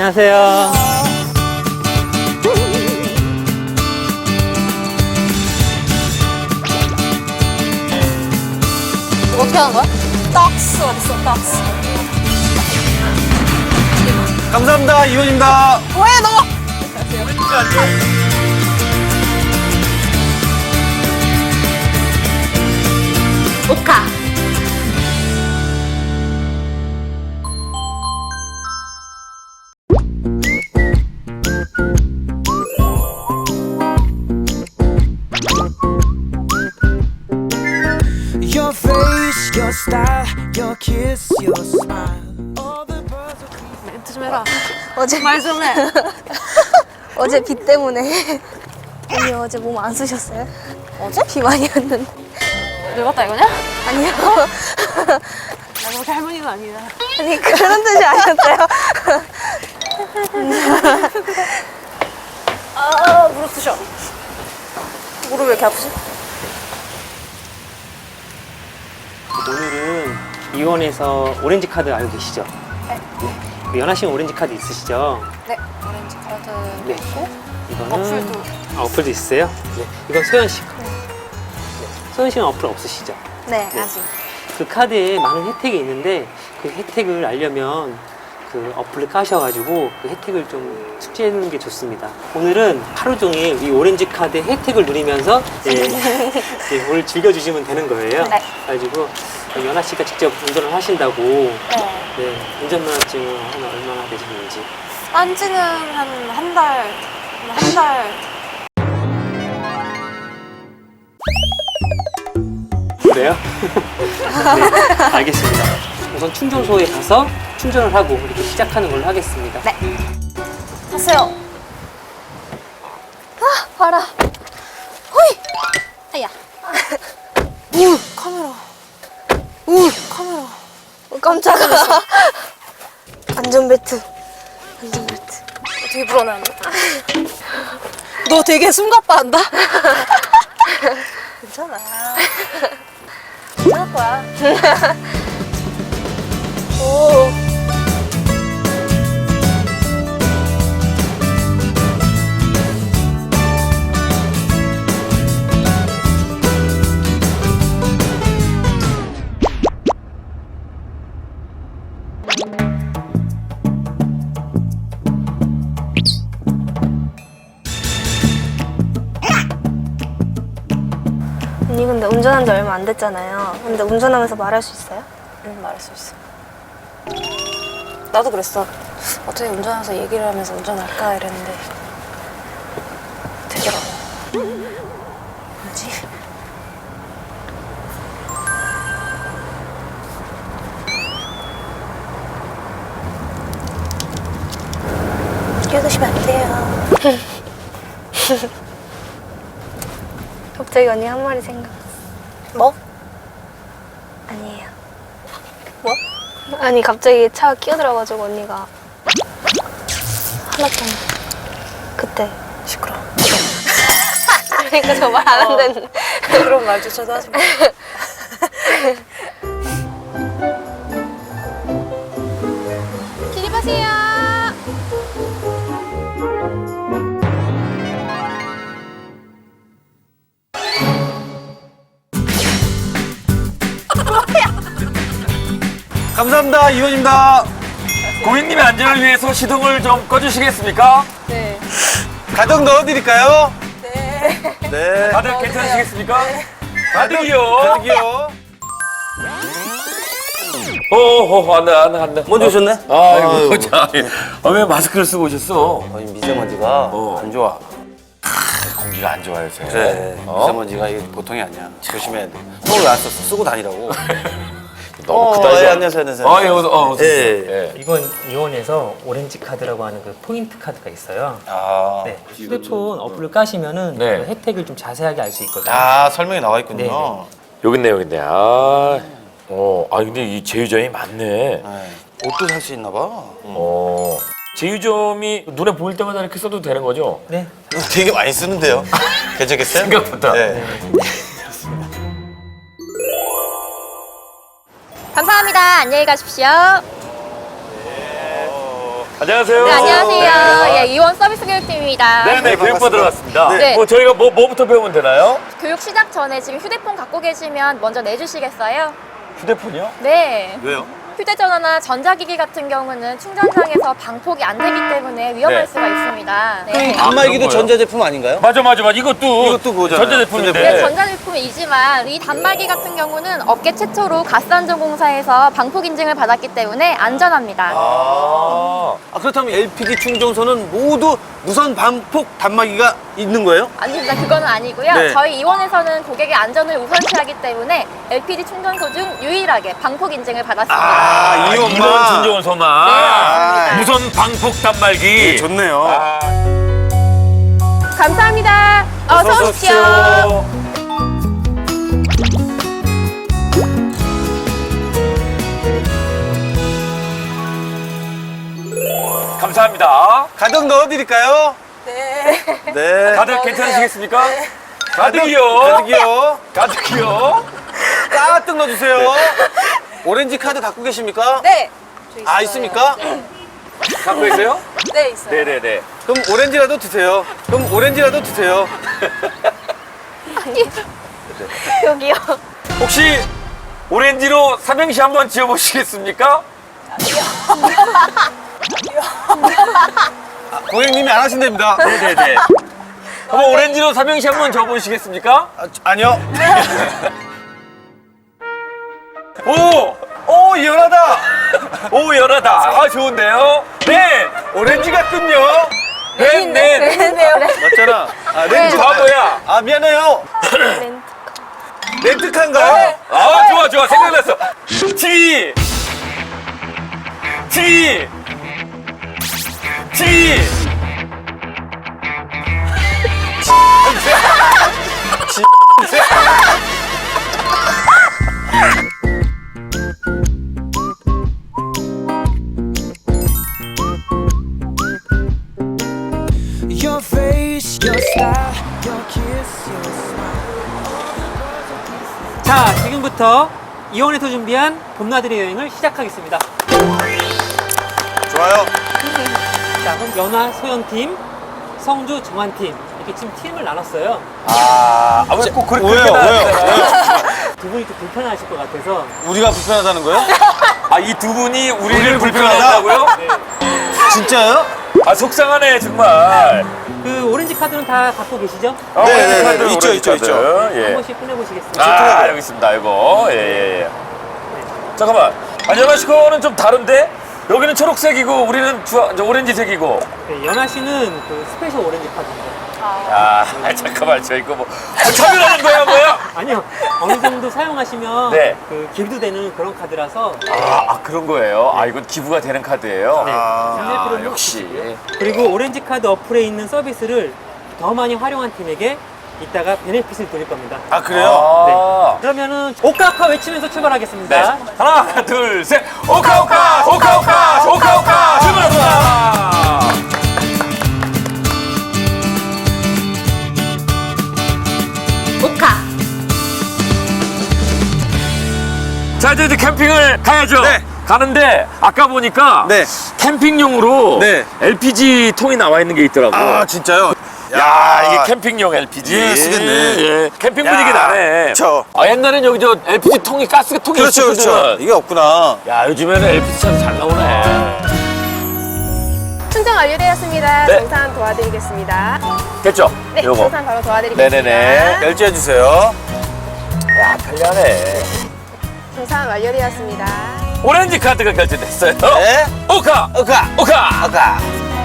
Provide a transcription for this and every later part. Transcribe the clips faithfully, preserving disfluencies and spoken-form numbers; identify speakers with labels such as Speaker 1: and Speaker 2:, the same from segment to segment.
Speaker 1: 안녕하세요.
Speaker 2: 어떻게 하는 거야? 떡스 어딨어, 떡스.
Speaker 3: 감사합니다. 이원입니다.
Speaker 2: 뭐해, 너? 오카.
Speaker 4: Your face, your style, your kiss, your smile. All the birds are
Speaker 2: 멘트 좀 해라.
Speaker 5: 어제
Speaker 2: 말 좀 해.
Speaker 5: 어제 비 때문에 언니 어제 몸 안 쑤셨어요?
Speaker 2: 어제?
Speaker 5: 비 많이 왔는데.
Speaker 2: 늙었다 이거냐?
Speaker 5: 아니요.
Speaker 2: 나 그렇게 할머니는 아니다.
Speaker 5: 아니 그런 뜻이 아니었어요.
Speaker 2: 아, 무릎 쑤셔. 무릎 왜 이렇게 아프지?
Speaker 1: 오늘은 이원에서 오렌지 카드 알고 계시죠?
Speaker 2: 네.
Speaker 1: 네. 연하 씨는 오렌지 카드 있으시죠?
Speaker 2: 네, 오렌지 카드
Speaker 1: 네.
Speaker 2: 있고
Speaker 1: 이거는
Speaker 2: 어플도.
Speaker 1: 아, 어플도 있어요? 네. 이건 소연 씨 거. 네. 소연 씨는 어플 없으시죠?
Speaker 5: 네,
Speaker 1: 네.
Speaker 5: 아직.
Speaker 1: 그 카드에 많은 혜택이 있는데 그 혜택을 알려면 그 어플을 까셔가지고 그 혜택을 좀 숙지해 놓는 게 좋습니다. 오늘은 하루 종일 이 오렌지 카드 혜택을 누리면서 예, 예, 오늘 즐겨주시면 되는 거예요.
Speaker 2: 네.
Speaker 1: 그래가지고 연아 씨가 직접 운전을 하신다고
Speaker 2: 네.
Speaker 1: 네, 운전면허증은 한 얼마나 되시는지.
Speaker 2: 딴 지는 한 한 달, 한 달.
Speaker 1: 그래요? 네, 알겠습니다. 우선 충전소에 가서 충전을 하고 이렇게 시작하는 걸로 하겠습니다.
Speaker 2: 네. 하세요.
Speaker 5: 아 봐라.
Speaker 2: 호이! 아야. 우! 카메라. 우! 카메라.
Speaker 5: 어, 깜짝아. 안전벨트. 안전벨트.
Speaker 2: 되게 불안해한다. 너 되게 숨가빠한다?
Speaker 5: 괜찮아. 괜찮을 거야. 오. 언니 근데 운전한 지 얼마 안 됐잖아요. 근데 운전하면서 말할 수 있어요?
Speaker 2: 응, 말할 수 있어. 나도 그랬어. 어떻게 운전하면서 얘기를 하면서 운전할까 이랬는데 되더라고. 뭐지? 끼어드시면 안 돼요.
Speaker 5: 갑자기 언니 한 말이 생각났어.
Speaker 2: 뭐?
Speaker 5: 아니에요.
Speaker 2: 뭐?
Speaker 5: 아니 갑자기 차가 끼어들어가지고 언니가 화났잖아. 그때.
Speaker 2: 시끄러워.
Speaker 5: 그러니까 저 말 안 한다는데.
Speaker 2: 그런 말조차도 하지 마. 기립하세요.
Speaker 3: 감사합니다. 이원입니다. 고객님의 안전을 위해서 시동을 좀 꺼주시겠습니까?
Speaker 2: 네.
Speaker 3: 가득 넣어드릴까요?
Speaker 2: 네.
Speaker 3: 네.
Speaker 6: 다들 괜찮으시겠습니까?
Speaker 3: 가득이요. 가득이요.
Speaker 6: 어허, 안 돼, 안 돼, 안 돼.
Speaker 3: 먼저 오셨네?
Speaker 6: 아이고, 자, 아, 왜 마스크를 쓰고 오셨어?
Speaker 3: 어, 이 미세먼지가
Speaker 6: 어.
Speaker 3: 안 좋아.
Speaker 6: 공기가 안 좋아요, 요새.
Speaker 3: 그래.
Speaker 6: 어?
Speaker 3: 미세먼지가 이게 보통이 아니야. 조심해야 돼. 손을 왜 안 썼어? 쓰고 다니라고.
Speaker 6: 너무
Speaker 3: 어,
Speaker 6: 크다, 이제.
Speaker 3: 예, 안녕하세요, 안녕하세요.
Speaker 6: 아, 예, 어서, 어, 어서.
Speaker 3: 예.
Speaker 6: 오세요. 예.
Speaker 1: 이번 이원에서 오렌지 카드라고 하는 그 포인트 카드가 있어요.
Speaker 3: 아,
Speaker 1: 네, 휴대폰 어플을 까시면은
Speaker 6: 네.
Speaker 1: 그 혜택을 좀 자세하게 알 수 있거든요.
Speaker 3: 아 설명이 나와 있군요.
Speaker 1: 네,
Speaker 6: 여기 있네, 여기 있네. 아, 어, 아, 근데 이 제휴점이 많네.
Speaker 3: 네. 옷도 살 수 있나 봐.
Speaker 6: 어. 제휴점이 눈에 보일 때마다 이렇게 써도 되는 거죠?
Speaker 1: 네.
Speaker 3: 되게 많이 쓰는데요. 괜찮겠어요?
Speaker 6: 생각보다.
Speaker 3: 네.
Speaker 2: 감사합니다. 안녕히 가십시오.
Speaker 3: 어, 안녕하세요.
Speaker 7: 네, 안녕하세요. 예, 이원 서비스 교육팀입니다.
Speaker 3: 네네,
Speaker 8: 네,
Speaker 3: 교육받으러
Speaker 8: 반갑습니다.
Speaker 3: 왔습니다.
Speaker 7: 네.
Speaker 3: 뭐 저희가 뭐, 뭐부터 배우면 되나요?
Speaker 7: 교육 시작 전에 지금 휴대폰 갖고 계시면 먼저 내주시겠어요?
Speaker 3: 휴대폰이요?
Speaker 7: 네.
Speaker 8: 왜요?
Speaker 7: 휴대전화나 전자기기 같은 경우는 충전상에서 방폭이 안 되기 때문에 위험할
Speaker 3: 네.
Speaker 7: 수가 있습니다. 네.
Speaker 8: 단말기도
Speaker 3: 그런 거예요?
Speaker 8: 전자제품 아닌가요?
Speaker 3: 맞아, 맞아, 맞아. 이것도,
Speaker 8: 이것도 그거잖아요.
Speaker 3: 전자제품인데.
Speaker 7: 네, 전자제품이지만 이 단말기 같은 경우는 업계 최초로 가스안전공사에서 방폭 인증을 받았기 때문에 안전합니다.
Speaker 8: 아, 아, 그렇다면 엘피지 충전소는 모두 무선 반폭 단말기가 있는 거예요?
Speaker 7: 아닙니다. 그거는 아니고요.
Speaker 8: 네.
Speaker 7: 저희 이원에서는 고객의 안전을 우선시하기 때문에 엘피지 충전소 중 유일하게 방폭 인증을 받았습니다.
Speaker 8: 아, 이
Speaker 3: 이원
Speaker 8: 엄마.
Speaker 3: 진정원소만.
Speaker 7: 네, 맞습니다.
Speaker 3: 무선 방폭 단말기.
Speaker 8: 네, 좋네요.
Speaker 3: 아,
Speaker 7: 감사합니다. 어서 오십시오.
Speaker 3: 감사합니다.
Speaker 8: 가득 넣어드릴까요?
Speaker 2: 네.
Speaker 8: 네.
Speaker 3: 다들 괜찮으시겠습니까? 가득이요.
Speaker 8: 가득이요.
Speaker 3: 가득이요.
Speaker 8: 가득 넣어주세요. 오렌지 카드 갖고 계십니까?
Speaker 2: 네. 저 있어요.
Speaker 8: 아, 있습니까?
Speaker 3: 갖고 계세요?
Speaker 2: 네, 있어요.
Speaker 3: 네네네.
Speaker 8: 그럼 오렌지라도 드세요. 그럼 오렌지라도 드세요.
Speaker 7: 여기요.
Speaker 3: 혹시 오렌지로 삼행시 한번 지어보시겠습니까?
Speaker 8: 아, 고객님이 안 하신답니다.
Speaker 3: 네네네. 한번 오렌지로 삼행시 한번 지어보시겠습니까?
Speaker 8: 아, 아니요.
Speaker 3: 오!
Speaker 8: 오, 연하다.
Speaker 3: 오, 연하다. 아, 좋은데요? 네! 오렌지 같군요. 네, 네.
Speaker 2: 네네요.
Speaker 8: 맞잖아. 아, 렌즈.
Speaker 3: 바보야.
Speaker 8: 아, 미안해요. 렌트카인가요?
Speaker 3: 아, 좋아, 좋아. 생각났어. 티! 티! 티!
Speaker 4: Your face, your style, your kiss, your smile.
Speaker 1: 자, 지금부터 이원에서 준비한 봄나들이 여행을 시작하겠습니다.
Speaker 8: 좋아요.
Speaker 1: 자, 그럼 연아 소연팀, 성주 정한팀 이렇게 지금 팀을 나눴어요.
Speaker 3: 아, 아, 왜 꼭 그렇게
Speaker 8: 왜요?
Speaker 3: 나와요?
Speaker 1: 두 분이 좀 불편하실 것 같아서
Speaker 8: 우리가 불편하다는 거예요?
Speaker 3: 아, 이 두 분이 우리를
Speaker 8: 우리를
Speaker 3: 불편하다고요?
Speaker 8: 진짜요?
Speaker 3: 아, 속상하네, 정말.
Speaker 1: 그 오렌지 카드는 다 갖고 계시죠?
Speaker 3: 어,
Speaker 8: 네,
Speaker 3: 오렌지
Speaker 8: 네,
Speaker 3: 카드,
Speaker 8: 네. 있죠,
Speaker 3: 오렌지
Speaker 8: 있죠,
Speaker 3: 카드.
Speaker 8: 있죠.
Speaker 1: 한
Speaker 3: 예.
Speaker 1: 번씩 꺼내보시겠습니다.
Speaker 3: 아, 여기 있습니다, 이거. 예, 예, 예. 잠깐만. 안연아 씨 거는 좀 다른데? 여기는 초록색이고, 우리는 주, 저 오렌지색이고.
Speaker 1: 네, 연아 씨는 그 스페셜 오렌지 카드입니다.
Speaker 3: 아, 잠깐만, 저 이거 뭐. 뭐 차별하는 거야, 뭐야?
Speaker 1: 아니요, 어느 정도 사용하시면
Speaker 3: 네.
Speaker 1: 그 기부도 되는 그런 카드라서
Speaker 3: 아, 아, 그런 거예요? 아, 이건 기부가 되는 카드예요?
Speaker 1: 네,
Speaker 8: 아,
Speaker 1: 잠들
Speaker 3: 아,
Speaker 1: 필요는
Speaker 3: 역시.
Speaker 1: 없으시고요. 그리고 오렌지 카드 어플에 있는 서비스를 더 많이 활용한 팀에게 이따가 베네핏을 드릴 겁니다.
Speaker 8: 아, 그래요?
Speaker 3: 아.
Speaker 1: 그러면은 오카오카 외치면서 출발하겠습니다.
Speaker 3: 네. 하나, 둘, 셋. 오카오카! 오카오카! 오카오카! 출발합니다!
Speaker 7: 오카.
Speaker 3: 자, 이제 캠핑을 가야죠.
Speaker 8: 네.
Speaker 3: 가는데 아까 보니까
Speaker 8: 네.
Speaker 3: 캠핑용으로
Speaker 8: 네.
Speaker 3: 엘피지 통이 나와 있는 게 있더라고.
Speaker 8: 아, 진짜요?
Speaker 3: 야, 이게 캠핑용 엘피지.
Speaker 8: 예, 쓰겠네.
Speaker 3: 예, 캠핑
Speaker 8: 야,
Speaker 3: 분위기 나네.
Speaker 8: 그쵸.
Speaker 3: 아, 옛날엔 여기 저 엘피지 통이 가스가 통이
Speaker 8: 그렇죠,
Speaker 3: 있었거든.
Speaker 8: 그렇죠. 이게 없구나.
Speaker 3: 야, 요즘에는 엘피지 차도 잘 나오네.
Speaker 2: 충전 완료되었습니다.
Speaker 3: 네.
Speaker 2: 정산 도와드리겠습니다.
Speaker 3: 됐죠?
Speaker 2: 네,
Speaker 3: 요거.
Speaker 2: 정산 바로 도와드리겠습니다.
Speaker 3: 네네네.
Speaker 8: 결제해주세요.
Speaker 3: 야, 편리하네.
Speaker 2: 정산 완료되었습니다.
Speaker 3: 오렌지 카드가 결제됐어요.
Speaker 8: 네.
Speaker 3: 오카!
Speaker 8: 오카!
Speaker 3: 오카!
Speaker 8: 오카!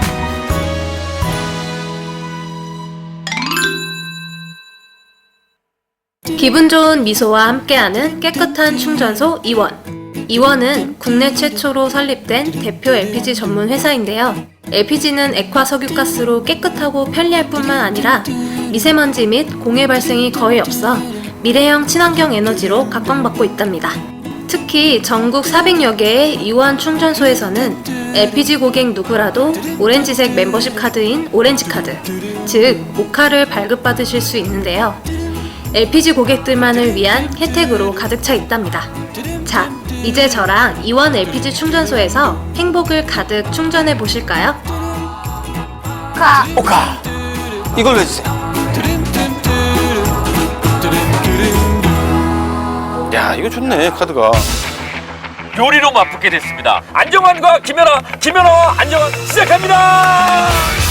Speaker 9: 기분 좋은 미소와 함께하는 깨끗한 충전소 이원. 이원은 국내 최초로 설립된 대표 엘피지 전문 회사인데요. 엘피지는 액화 석유가스로 깨끗하고 편리할 뿐만 아니라 미세먼지 및 공해 발생이 거의 없어 미래형 친환경 에너지로 각광받고 있답니다. 특히 전국 사백여 개의 이원 충전소에서는 엘피지 고객 누구라도 오렌지색 멤버십 카드인 오렌지카드, 즉 오카를 발급받으실 수 있는데요. 엘피지 고객들만을 위한 혜택으로 가득 차 있답니다. 자, 이제 저랑 이원 엘피지 충전소에서 행복을 가득 충전해 보실까요?
Speaker 8: 오카. 이걸로 해주세요. 야, 이거 좋네, 카드가.
Speaker 3: 요리로 맛붙게 됐습니다. 안정환과 김연아, 김연아와 안정환 시작합니다.